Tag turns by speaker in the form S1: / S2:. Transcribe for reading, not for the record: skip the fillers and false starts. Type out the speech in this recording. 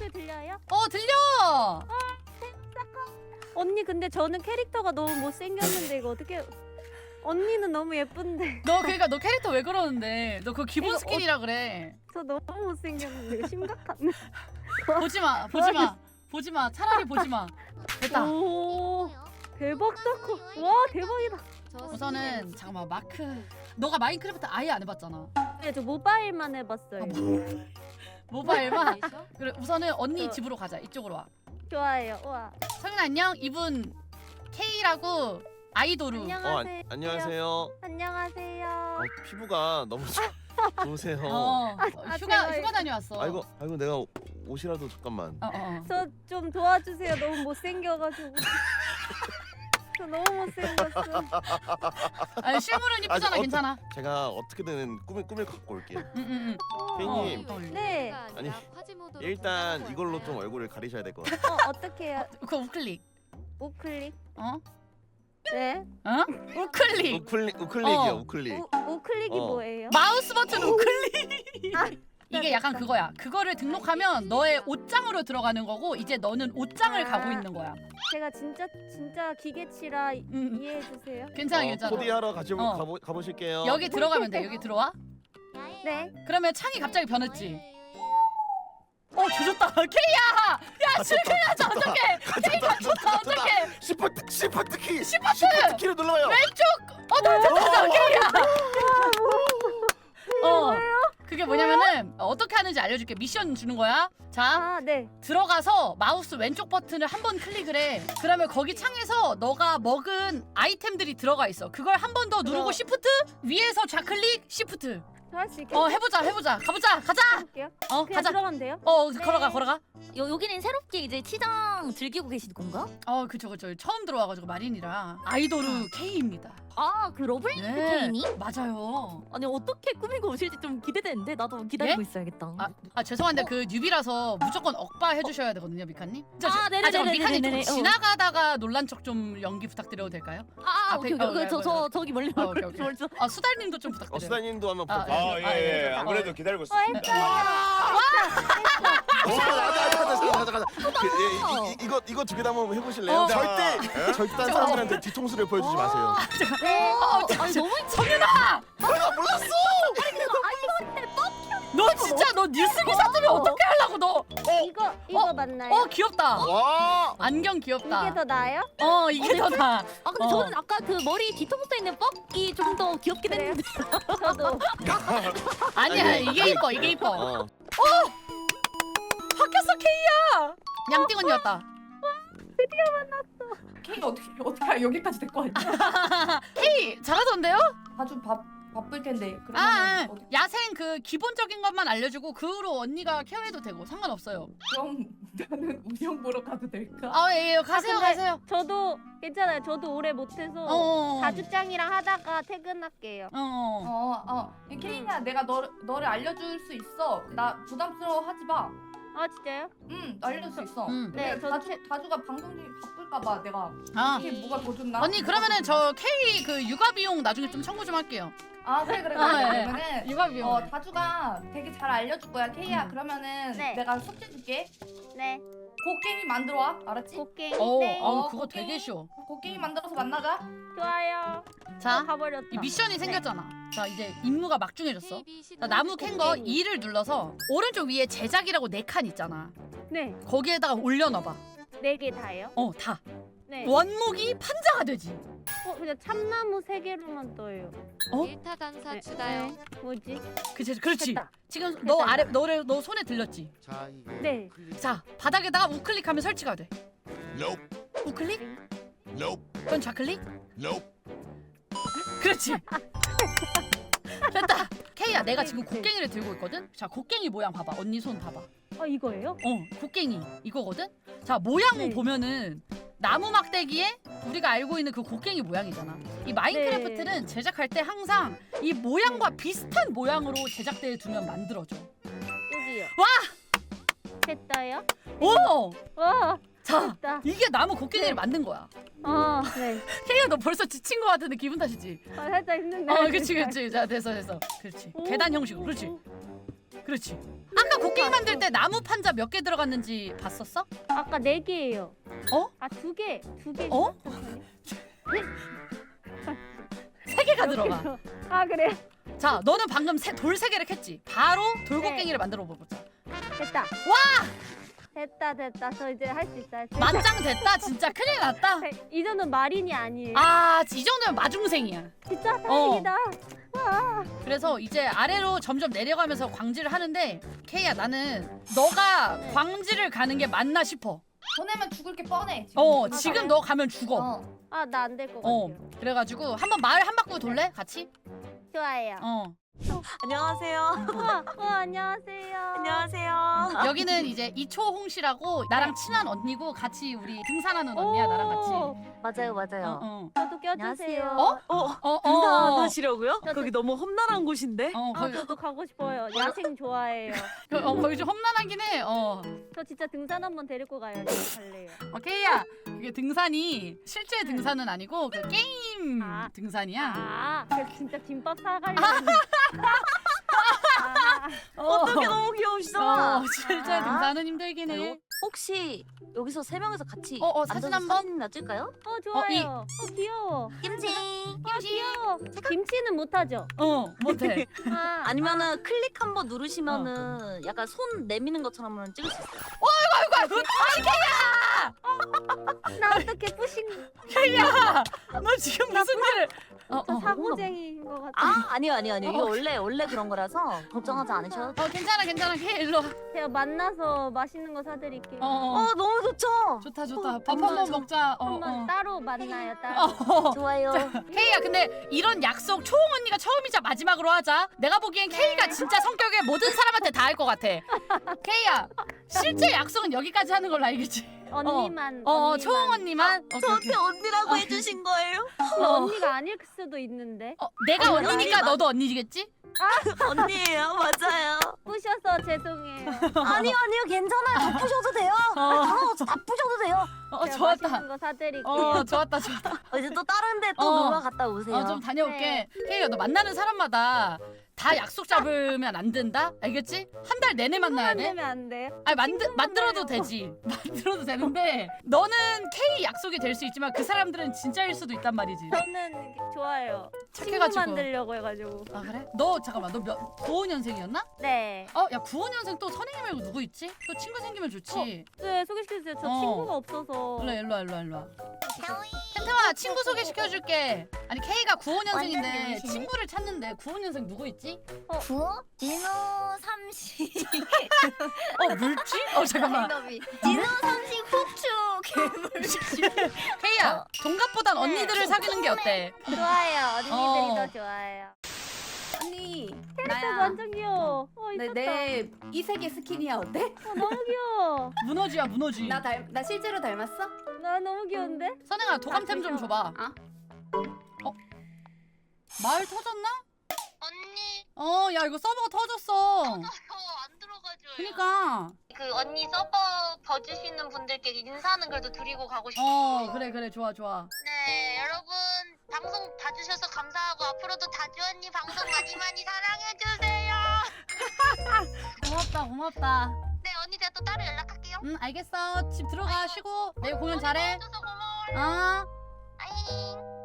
S1: 목소리 들려요?
S2: 들려.
S1: 언니 근데 저는 캐릭터가 너무 못생겼는데 이거 어떻게? 언니는 너무 예쁜데
S2: 너 그러니까 너 캐릭터 왜 그러는데? 너 그거 기본
S1: 이거
S2: 스킨이라 그래.
S1: 저 너무 못생겼는데 이거 심각한데.
S2: 보지 마. 차라리 보지 마. 됐다.
S1: 오 대박 사건. 와 대박이다.
S2: 우선은 잠깐만 마크. 너가 마인크래프트 아예 안 해봤잖아.
S1: 네, 저 모바일만 해봤어요.
S2: 모바일만. 그래 우선은 언니 집으로 가자. 이쪽으로 와.
S1: 좋아요. 와.
S2: 성윤아 안녕. 이분 K라고 아이돌우.
S1: 안녕하세요.
S3: 안녕하세요.
S1: 안녕하세요.
S3: 피부가 너무 좋으세요.
S2: 휴가
S1: 제가
S2: 다녀왔어.
S3: 아이고 내가 옷이라도 잠깐만.
S1: 저 좀 도와주세요. 너무 못생겨가지고. 저 너무 못생겼어.
S2: 아니 실물은 이쁘잖아. 괜찮아.
S3: 제가 어떻게든 꾸밀 갖고 올게요. 케이님.
S1: 네.
S3: 아니, 일단 이걸로 좀 얼굴을 가리셔야 될 것 같아요.
S1: 어떻게 해요?
S2: 그거 우클릭.
S1: 우클릭.
S2: 어?
S1: 네.
S2: 우클릭.
S3: 우클릭이요. 우클릭.
S1: 우클릭이 뭐예요?
S2: 마우스 버튼 우클릭.
S1: 아,
S2: 이게 약간 그거야. 그거를 등록하면 너의 옷장으로 들어가는 거고 이제 너는 옷장을 가고 있는 거야.
S1: 제가 진짜 기계치라 이해해 주세요.
S2: 괜찮아.
S3: 코디하러 가보실게요.
S2: 여기 들어가면 돼. 여기 들어와.
S1: 네.
S2: 그러면 창이 갑자기 변했지. 조졌다. K야! 야, 실패하자. 어떡해. K 갇혔다. 어떡해.
S3: 시프트 키.
S2: 시프트
S3: 키를 눌러요.
S2: 왼쪽. 됐다. K야. 그게 뭐냐면은 어떻게 하는지 알려줄게. 미션 주는 거야. 자,
S1: 네.
S2: 들어가서 마우스 왼쪽 버튼을 한 번 클릭을 해. 그러면 거기 창에서 너가 먹은 아이템들이 들어가 있어. 그걸 한 번 더 누르고 시프트 위에서 좌클릭 시프트.
S1: 할 수 있겠어요?
S2: 해보자. 가자.
S1: 해볼게요.
S2: 그냥
S1: 그냥 들어가면 돼요?
S2: 걸어가.
S4: 여기는 새롭게 이제 치장 즐기고 계신 건가?
S2: 그쵸. 처음 들어와가지고 마린이라 아이돌우 K입니다.
S4: 그 러블리즈 케이니?
S2: 맞아요.
S4: 아니 어떻게 꾸미고 오실지 좀 기대되는데 나도 기다리고 있어야겠다.
S2: 죄송한데 그 뉴비라서 무조건 억바 해주셔야 되거든요, 미카님.
S4: 네네네네네네.
S2: 미카님 좀 지나가다가 놀란 척 좀 연기 부탁드려도 될까요?
S4: 오케이. 저기 멀리
S2: 오케이. 수달님도 좀 부탁드려요.
S3: 수다님도 한번 부탁드립니다.
S5: 예. 안 그래도 기다리고 있었습니다.
S3: 잠깐. 이거 두 개 다 한번 해보실래요? 절대 딴 사람들한테 뒤통수를 보여주지 마세요.
S4: 아니 너무
S2: 성윤아!
S3: 내가 몰랐어.
S2: 너 진짜 너 뉴스 기사 뜨면 어떻게 하려고 너?
S1: 이거 맞나요?
S2: 귀엽다.
S3: 와.
S2: 안경 귀엽다.
S1: 이게 더 나아요?
S2: 이게 더 나아.
S4: 근데 저는 아까 그 머리 뒤통수에 있는 뻑이 좀 더 귀엽긴
S1: 그래요?
S4: 했는데.
S1: 저도.
S2: 아니야, 이게 이뻐. 바뀌었어, K야. 양띵 언니 왔다.
S6: K가 어떻게 여기까지 데리고 왔냐?
S2: K 잘하던데요?
S6: 아주 바쁠 텐데.
S2: 야생 그 기본적인 것만 알려주고 그 후로 언니가 케어해도 되고 상관없어요.
S6: 그럼 나는 운영 보러 가도 될까?
S2: 예, 가세요.
S1: 저도 괜찮아요. 저도 오래 못해서 다주짱이랑 하다가 퇴근할게요.
S6: 케이야, 내가 너를 알려줄 수 있어. 나 부담스러워하지 마.
S1: 진짜요?
S6: 알려줄 수 있어.
S1: 네,
S6: 내가 다주가 방송이 바쁠까봐 내가 이게 뭐가 더 좋나?
S2: 언니 그러면은 저 K 그 육아 비용 나중에 좀 청구 좀 할게요.
S6: 그래.
S2: 네.
S6: 그러면은
S2: 육아 비용.
S6: 다주가 되게 잘 알려줄 거야, K야. 그러면은
S1: 네.
S6: 내가 숙제 줄게.
S1: 네.
S6: 곡괭이 만들어 와, 알았지?
S1: 곡괭이.
S2: 네.
S1: 네.
S2: 그거 되게 쉬워.
S6: 곡괭이 만들어서 만나자.
S1: 좋아요.
S2: 자,
S1: 가버렸다.
S2: 이 미션이 생겼잖아. 자, 이제 임무가 막중해졌어. 자, 나무 캔 거 2를 눌러서 오른쪽 위에 제작이라고 4칸 있잖아.
S1: 네.
S2: 거기에다가 올려놔봐.
S1: 4개 다요?
S2: 다.
S1: 네.
S2: 원목이 판자가 되지.
S1: 그냥 참나무 3개로만 떠요.
S7: 일타 강사 추가요.
S1: 뭐지?
S2: 그렇지.
S1: 됐다.
S2: 지금
S1: 됐다.
S2: 너 손에 들렸지?
S1: 네.
S2: 자, 바닥에다가 우클릭하면 설치가 돼.
S5: Nope.
S2: 우클릭?
S5: Nope.
S2: 그건 좌클릭?
S5: Nope.
S2: 그렇지. 됐다. K야, 내가 지금 곡괭이를 들고 있거든. 자, 곡괭이 모양 봐봐. 언니 손 봐봐.
S1: 이거예요?
S2: 곡괭이 이거거든. 자, 모양
S1: 네.
S2: 보면은 나무 막대기에 우리가 알고 있는 그 곡괭이 모양이잖아. 이 마인크래프트는 제작할 때 항상 이 모양과 비슷한 모양으로 제작대에 두면 만들어져.
S1: 여기요.
S2: 와!
S1: 됐다요?
S2: 오!
S1: 와.
S2: 자,
S1: 됐다.
S2: 이게 나무 곡괭이를
S1: 네.
S2: 만든 거야.
S1: 네.
S2: K야, 너 벌써 지친 거 같은데 기분 탓이지?
S1: 살짝 힘든데.
S2: 그렇지. 자, 됐어. 그렇지. 계단 형식으로. 그렇지. 아까 곡괭이 만들 때 나무 판자 몇 개 들어갔는지 봤었어?
S1: 아까 4개예요.
S2: 어?
S1: 아 2개. 2개.
S2: 어? 3개가 들어가.
S1: 아 그래.
S2: 자, 너는 방금 돌 3개를 캤지? 바로 돌곡괭이를 만들어 보자.
S1: 됐다. 와! 됐다. 저 이제 할 수 있다.
S2: 만장 됐다. 진짜 큰일 났다.
S1: 이 정도는 마린이 아니에요.
S2: 아, 이 정도면 마중생이야.
S1: 진짜 다행이다.
S2: 그래서 이제 아래로 점점 내려가면서 광질을 하는데 케이야, 나는 너가 광질을 가는 게 맞나 싶어.
S6: 보내면 죽을 게 뻔해.
S2: 지금 너 가면 죽어.
S6: 어.
S1: 나 안 될 것
S2: 어.
S1: 같아요.
S2: 그래가지고 한번 마을 한 바퀴 돌래? 같이?
S1: 좋아요.
S8: 안녕하세요.
S1: 안녕하세요.
S8: 안녕하세요.
S2: 여기는 이제 이초홍 씨라고 나랑 친한 언니고 같이 우리 등산하는 언니야, 나랑 같이.
S4: 맞아요.
S1: 저도 껴주세요.
S4: 안녕하세요.
S8: 등산하시려고요?
S1: 저-
S8: 거기 너무 험난한 곳인데.
S1: 저도 가고 싶어요. 야생 좋아해요.
S2: 거기 좀 험난하긴 해.
S1: 저 진짜 등산 한번 데리고 가요. 갈래요.
S2: 케이야, 그게 등산이 실제 등산은 아니고 그 게임
S1: 아.
S2: 등산이야.
S1: 저 진짜 김밥 사가려고.
S8: 어떻게 너무 귀여우시잖아.
S2: 실제 등산은 힘들긴 해.
S4: 혹시 여기서 3명이서 같이
S2: 사진
S4: 앉아서
S2: 한번?
S4: 사진이나 찍을까요?
S1: 좋아요. 귀여워.
S4: 김치.
S1: 귀여워. 김치는 못하죠?
S2: 못해.
S4: 아니면은 클릭 한번 누르시면은 약간 손 내미는 것처럼 찍을 수 있어요.
S2: 아이고,
S1: 나 어떻게 뿌신
S2: 케이야, 너 지금 무슨 일을?
S1: 저 사고쟁이인 것 같아.
S4: 아니요. 이거 원래 그런 거라서 걱정하지 않으셔도 돼요.
S2: 괜찮아. 케이 일로 와.
S1: 제가 만나서 맛있는 거 사드릴게요.
S4: 너무 좋죠?
S2: 좋다. 밥 한번 먹자.
S1: 한번 따로 만나요. 따로.
S4: 좋아요.
S2: 케이야, 근데 이런 약속 초홍 언니가 처음이자 마지막으로 하자. 내가 보기엔 케이가 진짜 성격에 모든 사람한테 다 할 것 같아. 케이야, 실제 약속은 여기까지 하는 걸로 알겠지?
S1: 언니만.
S2: 초홍 언니만.
S8: 저한테 언니라고 해주신 거예요?
S1: 언니가 아닐 수도 있는데.
S2: 내가 언니니까 너도 언니겠지?
S8: 언니예요, 맞아요.
S1: 뿌셔서 죄송해요.
S4: 아니요, 괜찮아요. 다 푸셔도 돼요. 다 푸셔도 돼요.
S1: 제가
S2: 좋았다.
S1: 맛있는 거 사드릴게요.
S2: 좋았다.
S4: 이제 또 다른 데 또 놀러 갔다 오세요.
S2: 좀 다녀올게. 케이야, 너 만나는 사람마다 다 약속 잡으면 안 된다? 알겠지? 한 달 내내 만나야 돼?
S1: 되면 안 돼.
S2: 아니 만들어도 되지. 만들어도 되는데 너는 K 약속이 될 수 있지만 그 사람들은 진짜일 수도 있단 말이지.
S1: 저는 좋아요. 친구
S2: 착해가지고.
S1: 만들려고 해가지고.
S2: 아 그래? 너 잠깐만, 너 95년생이었나?
S1: 네.
S2: 야 95년생 또 선행이 말고 누구 있지? 또 친구 생기면 좋지.
S1: 네, 소개시켜주세요. 저 친구가 없어서.
S2: 일로 와. 템템아, 친구 소개시켜줄게. 아니 K가 95년생인데
S4: 완전
S2: 친구를 찾는데 95년생 누구 있지?
S4: 구호? 진호 30.
S2: 물지? 잠깐만.
S4: 진호 30 후추 괴물지.
S2: K야, 동갑보단 언니들을 사귀는 게 어때?
S1: 좋아요. 언니들이 더 좋아요.
S6: 언니,
S1: 캐릭터 완전 귀여워. 이뻤다.
S6: 내 이색의 스킨이야 어때?
S1: 너무 귀여워.
S2: 문어지야, 문어지.
S6: 나 실제로 닮았어?
S1: 나 너무 귀여운데?
S2: 선행아, 도감템 좀 줘봐. 마을 터졌나?
S9: 언니
S2: 야 이거 서버가 터졌어.
S9: 저 안 들어가줘요.
S2: 그니까.
S9: 그 언니 서버 봐주시는 분들께 인사하는 글도 드리고 가고 싶어요.
S2: 그래 좋아.
S9: 네, 여러분 방송 봐주셔서 감사하고 앞으로도 다주 언니 방송 많이 사랑해주세요.
S2: 고맙다.
S9: 네, 언니 제가 또 따로 연락할게요.
S2: 알겠어. 집 들어가 쉬고 내일 공연 잘해.
S9: 봐줘서 고마워요.
S2: 어.
S9: 아잉.